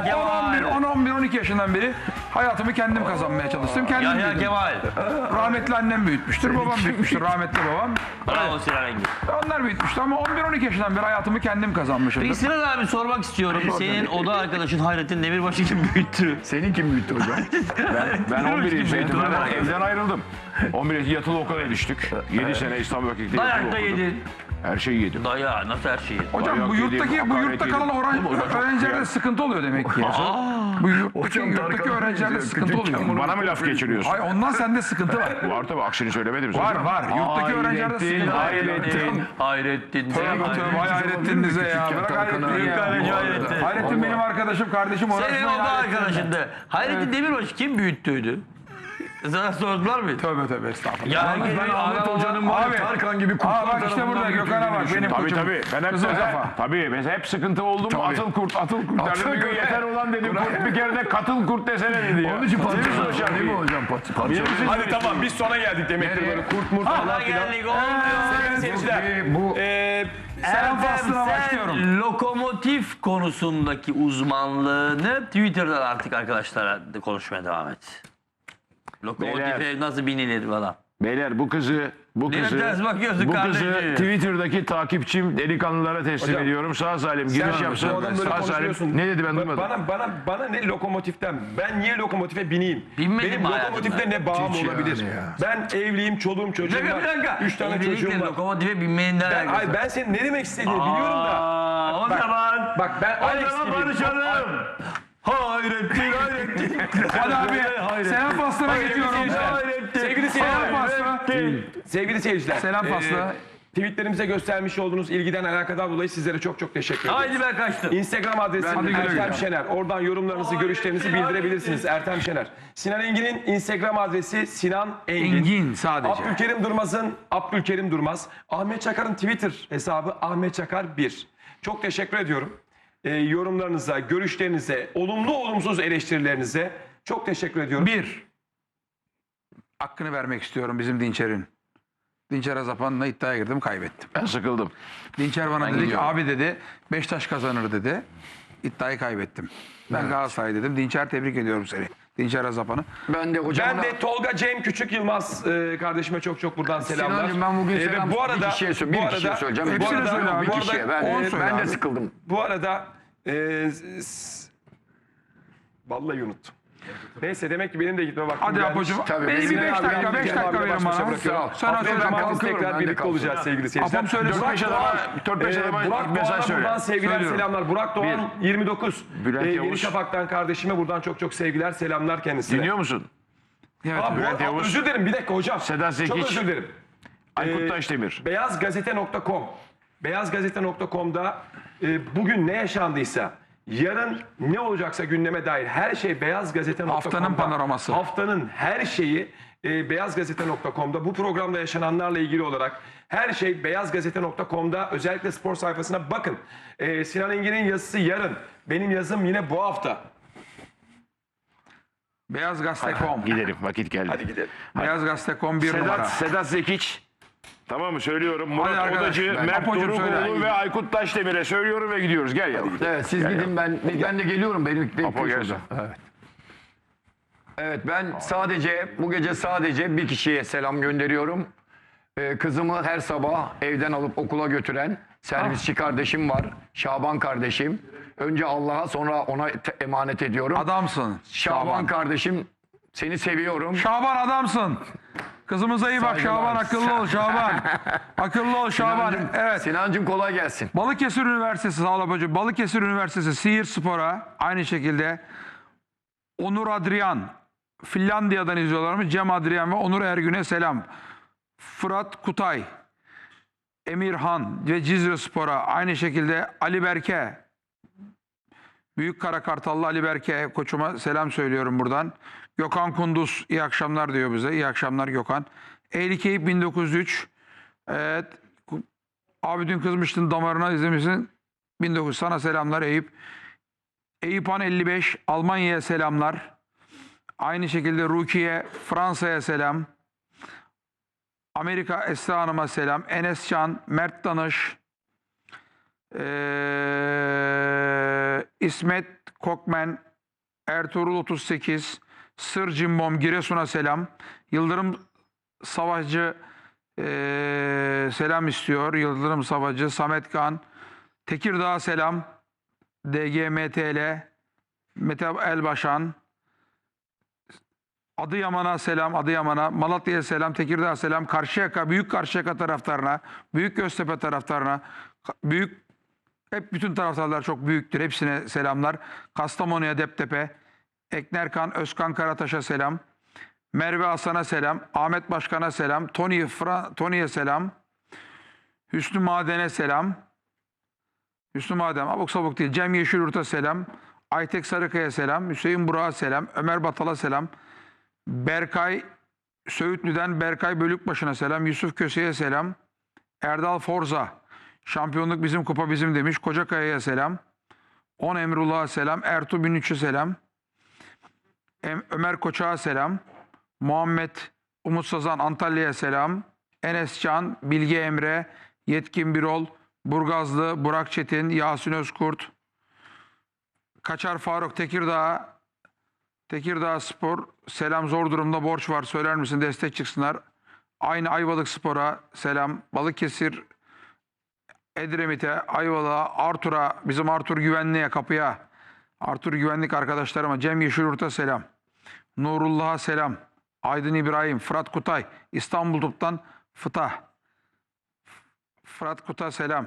[SPEAKER 4] Yahya Kemal.
[SPEAKER 3] 10-11-12 yaşından beri hayatımı kendim kazanmaya çalıştım. Kendim
[SPEAKER 4] Yahya
[SPEAKER 3] büyüdüm.
[SPEAKER 4] Kemal.
[SPEAKER 3] Rahmetli annem büyütmüştür, babam büyütmüştür, rahmetli babam.
[SPEAKER 4] Bravo Sinan Engin.
[SPEAKER 3] Onlar büyütmüştü ama 11-12 yaşından beri hayatımı kendim kazanmışımdır.
[SPEAKER 4] Peki Sinan abi sormak istiyorum. Senin oda arkadaşın Hayrettin Demirbaş'ı kim büyüttü?
[SPEAKER 6] Seni kim büyüttü hocam?
[SPEAKER 1] Ben 11 yaşındaydım.
[SPEAKER 4] Doğru.
[SPEAKER 1] Ben evden ayrıldım. 11 yaşında yatılı okula düştük. 7 sene İstanbul Vakıf'ta yatılı
[SPEAKER 4] Dayak da
[SPEAKER 1] okudum.
[SPEAKER 4] yedin.
[SPEAKER 1] Her şeyi yedim.
[SPEAKER 4] Daya nasıl her şeyi?
[SPEAKER 3] Hocam
[SPEAKER 1] Dayak
[SPEAKER 3] bu
[SPEAKER 1] yedim,
[SPEAKER 3] yurtta
[SPEAKER 1] hakaret
[SPEAKER 3] kalan
[SPEAKER 1] yedim. Oğlum, o da çok
[SPEAKER 3] öğrencilerde
[SPEAKER 1] kıyak.
[SPEAKER 3] sıkıntı oluyor demek ki. Bu yurttaki öğrencilerde sıkıntı oluyor.
[SPEAKER 1] Bana mı laf geçiriyorsun?
[SPEAKER 3] Hayır ondan sende sıkıntı var.
[SPEAKER 1] Var tabii, aksini söylemedim.
[SPEAKER 3] Var var. Yurttaki öğrencilerde sıkıntı var.
[SPEAKER 4] Hayrettin.
[SPEAKER 3] Tövbe tövbe vay Hayrettin'inize ya. Bırak Hayrettin'i ya.
[SPEAKER 4] Hayrettin.
[SPEAKER 3] Hayrettin benim arkadaşım, kardeşim.
[SPEAKER 4] Senin
[SPEAKER 3] uğraşmayın
[SPEAKER 4] oda
[SPEAKER 3] Hayrettin'le.
[SPEAKER 4] arkadaşındı. Hayrettin Demirbaş'ı kim büyüttüydü? Sana sordular mı?
[SPEAKER 3] Tövbe tövbe estağfurullah.
[SPEAKER 4] Ya
[SPEAKER 6] Ben Ahmet Hoca'nın var
[SPEAKER 3] Abi.
[SPEAKER 6] ya Tarkan gibi kurtlar
[SPEAKER 3] Bak işte
[SPEAKER 6] tarafından
[SPEAKER 3] burada
[SPEAKER 6] götürdüğünü
[SPEAKER 3] Gökhan'a bak benim
[SPEAKER 1] Tabii
[SPEAKER 3] koçum.
[SPEAKER 1] tabii. Ben hep
[SPEAKER 3] Kızıl kafa.
[SPEAKER 1] tabii mesela hep sıkıntı oldu mu atıl kurt derdim. Bir gün yeter olan dedim kurt, bir kere de katıl kurt desene dedi ya.
[SPEAKER 6] Onun için
[SPEAKER 1] Biliyor musun
[SPEAKER 6] parça
[SPEAKER 1] hocam?
[SPEAKER 6] değil mi hocam? Parça.
[SPEAKER 2] Hadi tamam biz sona geldik demektir böyle kurt murt falan
[SPEAKER 4] Aha
[SPEAKER 2] filan.
[SPEAKER 4] geldik olmuyor.
[SPEAKER 2] Sevgili seyirciler.
[SPEAKER 6] Bu
[SPEAKER 3] Selam faslına başlıyorum.
[SPEAKER 4] Lokomotif konusundaki uzmanlığını Twitter'dan artık arkadaşlara konuşmaya devam et. Lokomotife
[SPEAKER 1] Beyler.
[SPEAKER 4] nasıl binilir falan.
[SPEAKER 1] Beyler bu kızı
[SPEAKER 4] Niye ters bakıyorsun
[SPEAKER 1] bu kızı
[SPEAKER 4] kardeşim?
[SPEAKER 1] Twitter'daki takipçim delikanlılara teslim
[SPEAKER 2] Hocam,
[SPEAKER 1] ediyorum. Sağ salim giriş yapsın.
[SPEAKER 2] bu adam böyle
[SPEAKER 1] Sağ salim.
[SPEAKER 2] konuşuyorsun.
[SPEAKER 1] Ne dedi ben duymadım.
[SPEAKER 2] Bana ne lokomotiften? Ben niye lokomotife bineyim?
[SPEAKER 4] Binmedin
[SPEAKER 2] Benim
[SPEAKER 4] mi
[SPEAKER 2] lokomotifte
[SPEAKER 4] hayatında?
[SPEAKER 2] ne bağım
[SPEAKER 6] Hiç
[SPEAKER 2] olabilir?
[SPEAKER 6] yani ya.
[SPEAKER 2] Ben evliyim, çoluğum çocuğum
[SPEAKER 4] Bir
[SPEAKER 2] var.
[SPEAKER 4] dakika.
[SPEAKER 2] 3 tane
[SPEAKER 4] Evlilikle
[SPEAKER 2] çocuğum var.
[SPEAKER 4] lokomotife binmenin ne alakası var?
[SPEAKER 2] Ben senin ne demek istediğini biliyorum da.
[SPEAKER 4] O zaman.
[SPEAKER 2] Bak ben
[SPEAKER 4] O
[SPEAKER 2] Alex
[SPEAKER 4] zaman
[SPEAKER 2] gibiyim.
[SPEAKER 4] barışalım. Hayrettin.
[SPEAKER 3] Hadi abi selam faslına geçiyorum.
[SPEAKER 2] Sevgili
[SPEAKER 3] Selam
[SPEAKER 2] seyirciler.
[SPEAKER 3] faslı.
[SPEAKER 2] Sevgili seyirciler.
[SPEAKER 3] Selam faslı.
[SPEAKER 2] Tweetlerimize göstermiş olduğunuz ilgiden alakadar dolayı sizlere çok çok teşekkür ederim.
[SPEAKER 4] Haydi ben kaçtım.
[SPEAKER 2] Instagram adresim
[SPEAKER 3] Hadi güle
[SPEAKER 2] Ertem
[SPEAKER 3] güle.
[SPEAKER 2] Şener. Oradan yorumlarınızı, görüşlerinizi bildirebilirsiniz. Ertem Şener. Sinan Engin'in Instagram adresi Sinan Engin.
[SPEAKER 3] Engin sadece.
[SPEAKER 2] Abdülkerim Durmaz. Ahmet Çakar'ın Twitter hesabı Ahmet Çakar 1. Çok teşekkür ediyorum. Yorumlarınıza, görüşlerinize, olumlu olumsuz eleştirilerinize çok teşekkür ediyorum.
[SPEAKER 3] Bir. Hakkını vermek istiyorum bizim Dinçer'in. Dinçer Azapan'la iddiaya girdim, kaybettim.
[SPEAKER 1] Ben sıkıldım.
[SPEAKER 3] Dinçer bana dedi ki abi dedi Beşiktaş kazanır dedi. İddiayı kaybettim. Ben Galatasaray dedim. Dinçer tebrik ediyorum seni. Dinçer Azapan'ı.
[SPEAKER 6] ben de hocam.
[SPEAKER 2] Ben de Tolga Cem Küçük Yılmaz kardeşime çok çok buradan selamlar.
[SPEAKER 6] Sinancığım ben bugün
[SPEAKER 2] Ve
[SPEAKER 6] selam
[SPEAKER 2] bu arada
[SPEAKER 6] bir kişiye söyleyeceğim. Bir kişiye söyleyeceğim.
[SPEAKER 3] hepsine
[SPEAKER 6] Bu arada-
[SPEAKER 3] söyle abi.
[SPEAKER 6] Bir
[SPEAKER 3] Bu
[SPEAKER 6] kişiye.
[SPEAKER 3] arada on söyle
[SPEAKER 6] Ben de
[SPEAKER 3] abi.
[SPEAKER 6] sıkıldım.
[SPEAKER 2] Bu arada vallahi unuttum. Neyse demek ki benim de gitme vaktim
[SPEAKER 3] Hadi
[SPEAKER 2] gelmiş.
[SPEAKER 3] Apo'cum.
[SPEAKER 6] Tabii,
[SPEAKER 3] Beni
[SPEAKER 6] bizim
[SPEAKER 3] bir 5
[SPEAKER 6] abi,
[SPEAKER 3] dakika,
[SPEAKER 6] ben
[SPEAKER 3] 5
[SPEAKER 2] Cem
[SPEAKER 3] dakika
[SPEAKER 2] abiyle
[SPEAKER 3] verin
[SPEAKER 2] baş başa
[SPEAKER 3] bana.
[SPEAKER 2] bırakıyorum.
[SPEAKER 3] Sonra
[SPEAKER 2] Haftaya
[SPEAKER 3] söyle.
[SPEAKER 2] cumartesi
[SPEAKER 6] kalkıyorum,
[SPEAKER 2] tekrar
[SPEAKER 6] ben de
[SPEAKER 2] birlikte
[SPEAKER 6] kalkıyorum.
[SPEAKER 2] olacağız sevgili seyirciler.
[SPEAKER 3] Apam söyle.
[SPEAKER 2] Burak
[SPEAKER 1] 4-5
[SPEAKER 2] Doğan,
[SPEAKER 1] adama 4-5 adama
[SPEAKER 2] Burak
[SPEAKER 1] mesaj
[SPEAKER 2] Doğan'a
[SPEAKER 1] söyle.
[SPEAKER 2] buradan sevgiler
[SPEAKER 3] Söylüyorum.
[SPEAKER 2] selamlar. Burak Doğan 29.
[SPEAKER 1] Bülent
[SPEAKER 2] Yeni
[SPEAKER 1] Yavuz.
[SPEAKER 2] Şafak'tan kardeşime buradan çok çok sevgiler selamlar kendisine.
[SPEAKER 1] Dinliyor musun?
[SPEAKER 3] Evet.
[SPEAKER 2] Aa,
[SPEAKER 1] Bülent Yavuz.
[SPEAKER 2] özür dilerim bir dakika hocam.
[SPEAKER 1] Sedat Zekiç.
[SPEAKER 2] Çok özür dilerim.
[SPEAKER 1] Aykut Taşdemir.
[SPEAKER 2] Beyazgazete.com Beyazgazete.com'da bugün ne yaşandıysa, yarın ne olacaksa gündeme dair her şey Beyazgazete.com'da.
[SPEAKER 3] Haftanın panoraması.
[SPEAKER 2] Haftanın her şeyi Beyazgazete.com'da. Bu programda yaşananlarla ilgili olarak her şey Beyazgazete.com'da. Özellikle spor sayfasına bakın. Sinan Engin'in yazısı yarın. Benim yazım yine bu hafta.
[SPEAKER 3] Beyazgazete.com.
[SPEAKER 1] Gidelim, vakit geldi.
[SPEAKER 2] Hadi gidelim.
[SPEAKER 3] Beyazgazete.com 1 numara.
[SPEAKER 1] Sedat Zekiç. Tamam mı? Söylüyorum.
[SPEAKER 3] Hadi
[SPEAKER 1] Murat
[SPEAKER 3] arkadaş,
[SPEAKER 1] Odacı,
[SPEAKER 3] ben-
[SPEAKER 1] Mert
[SPEAKER 3] Apocuğum söyle.
[SPEAKER 1] Dorukoğlu ve Aykut Taşdemir'e söylüyorum ve gidiyoruz. Gel yavrum.
[SPEAKER 6] Evet siz gidin ben de geliyorum. Benim
[SPEAKER 1] Apo gelsin.
[SPEAKER 6] Evet ben bu gece sadece bir kişiye selam gönderiyorum. Kızımı her sabah evden alıp okula götüren servisçi kardeşim var. Şaban kardeşim. Önce Allah'a sonra ona emanet ediyorum.
[SPEAKER 3] Adamsın.
[SPEAKER 6] Şaban kardeşim seni seviyorum.
[SPEAKER 3] Şaban adamsın. Kızımıza iyi bak
[SPEAKER 6] Saygılar.
[SPEAKER 3] Şaban, akıllı ol Şaban. Akıllı ol Şaban.
[SPEAKER 6] Sinancım,
[SPEAKER 3] Evet.
[SPEAKER 6] Sinancım kolay gelsin.
[SPEAKER 3] Balıkesir Üniversitesi, sağ ol Apocuğum. Balıkesir Üniversitesi Siirt Spor'a aynı şekilde Onur Adrian, Finlandiya'dan izliyorlarmış. Cem Adrian ve Onur Ergün'e selam. Fırat Kutay, Emirhan ve Cizre Spor'a aynı şekilde Ali Berke, Büyük Kara Kartallı Ali Berke koçuma selam söylüyorum buradan. Gökhan Kunduz iyi akşamlar diyor bize. İyi akşamlar Gökhan. Eğlikeyip 1903. Evet. Abi dün kızmıştın damarına izlemişsin. 1900 sana selamlar Eyüp. Eyüphan 55 Almanya'ya selamlar. Aynı şekilde Rukiye Fransa'ya selam. Amerika Esra Hanım'a selam. Enes Can, Mert Danış, İsmet Kokmen, Ertuğrul 38, Sır Cimbom Giresun'a selam. Yıldırım Savaşçı selam istiyor. Yıldırım Savaşçı, Samet Kan, Tekirdağ'a selam. DGMTL, Mete Elbaşan, Adıyaman'a selam, Adıyaman'a, Malatya'ya selam, Tekirdağ'a selam, Karşıyaka, Büyük Karşıyaka taraftarına, Büyük Göztepe taraftarına, hep bütün taraftarlar çok büyüktür. Hepsine selamlar. Kastamonu'ya, Deptepe, Eknerkan, Özkan Karataş'a selam. Merve Hasan'a selam. Ahmet Başkan'a selam. Tony'ye selam. Hüsnü Maden'e selam. Hüsnü Maden, abuk sabuk değil. Cem Yeşilyurt'a selam. Aytek Sarıkaya selam. Hüseyin Burak'a selam. Ömer Batal'a selam. Berkay Söğütlü'den Berkay Bölükbaşı'na selam. Yusuf Köse'ye selam. Erdal Forza, şampiyonluk bizim, kupa bizim demiş. Kocakaya'ya selam. On Emrullah'a selam. Ertuğ 1300'e selam. Ömer Koçak'a selam. Muhammed Umut Sazan Antalya'ya selam. Enes Can, Bilge Emre, Yetkin Birol, Burgazlı, Burak Çetin, Yasin Özkurt, Kaçar Faruk Tekirdağ Spor, selam, zor durumda borç var, söyler misin, destek çıksınlar. Aynı Ayvalık Spor'a selam. Balıkesir, Edremit'e, Ayvalık'a, Artur'a, bizim Artur Güvenlik'e, kapıya, Artur Güvenlik arkadaşlarıma, Cem Yeşilyurt'a selam. Nurullah'a selam. Aydın İbrahim, Fırat Kutay, İstanbul Top'tan Fırat Kutay selam.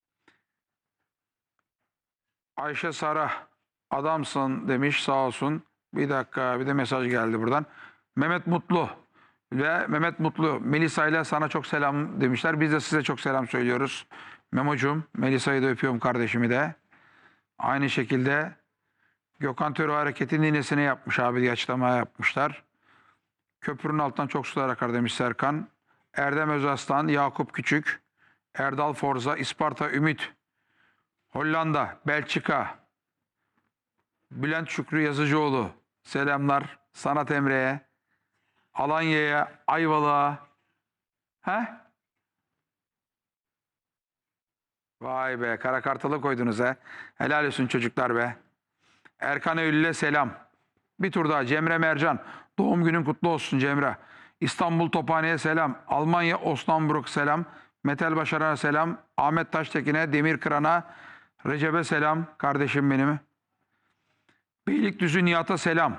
[SPEAKER 3] Ayşe Sara, adamsın demiş, sağ olsun. Bir dakika, bir de mesaj geldi buradan. Mehmet Mutlu ve Mehmet Mutlu, Melisa ile sana çok selam demişler. Biz de size çok selam söylüyoruz. Memo'cum, Melisa'yı da öpüyorum, kardeşimi de. Aynı şekilde Gökhan Töre hareketin ninesine yapmış abi diye açıklama yapmışlar. Köprünün altından çok sular akar demiş Serkan. Erdem Özaslan, Yakup Küçük, Erdal Forza, İsparta Ümit, Hollanda, Belçika, Bülent Şükrü Yazıcıoğlu, selamlar. Sanat Emre'ye, Alanya'ya, Ayvalık'a. Vay be, Kara Kartal'ı koydunuz he. Helal olsun çocuklar be. Erkan Eylül'e selam. Bir tur daha, Cemre Mercan. Doğum günün kutlu olsun Cemre. İstanbul Tophane'ye selam. Almanya Osnabrück selam. Metal Başaran'a selam. Ahmet Taştekin'e, Demir Kıran'a, Recep'e selam. Kardeşim benim. Beylikdüzü Nihat'a selam.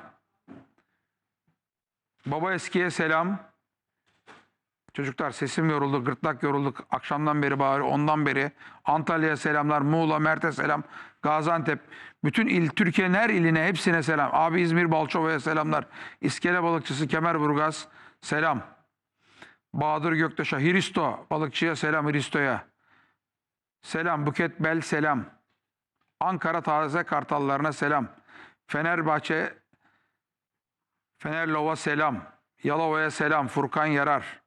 [SPEAKER 3] Baba Eski'ye selam. Çocuklar sesim yoruldu, gırtlak yoruldu. Akşamdan beri bağırıyor, ondan beri. Antalya'ya selamlar, Muğla, Mert'e selam. Gaziantep, bütün il, Türkiye'nin her iline, hepsine selam. Abi İzmir Balçova'ya selamlar. İskele Balıkçısı Kemerburgaz selam. Bahadır Göktaş'a, Hristo balıkçıya selam, Hristo'ya. Selam, Buket Bel selam. Ankara Taze Kartallarına selam. Fenerbahçe, Fenerlova selam. Yalova'ya selam, Furkan Yarar.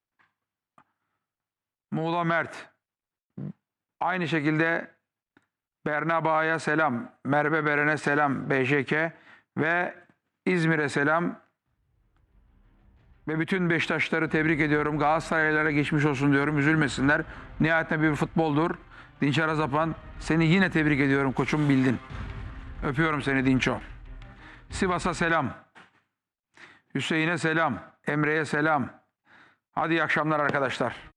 [SPEAKER 3] Muğla Mert. Aynı şekilde Berna Bağ'a selam. Merve Beren'e selam. BJK ve İzmir'e selam. Ve bütün Beşiktaşları tebrik ediyorum. Galatasaraylılara geçmiş olsun diyorum. Üzülmesinler. Nihayetinde bir futboldur. Dinçer Azapan, seni yine tebrik ediyorum koçum, bildin. Öpüyorum seni Dinço. Sivas'a selam. Hüseyin'e selam. Emre'ye selam. Hadi iyi akşamlar arkadaşlar.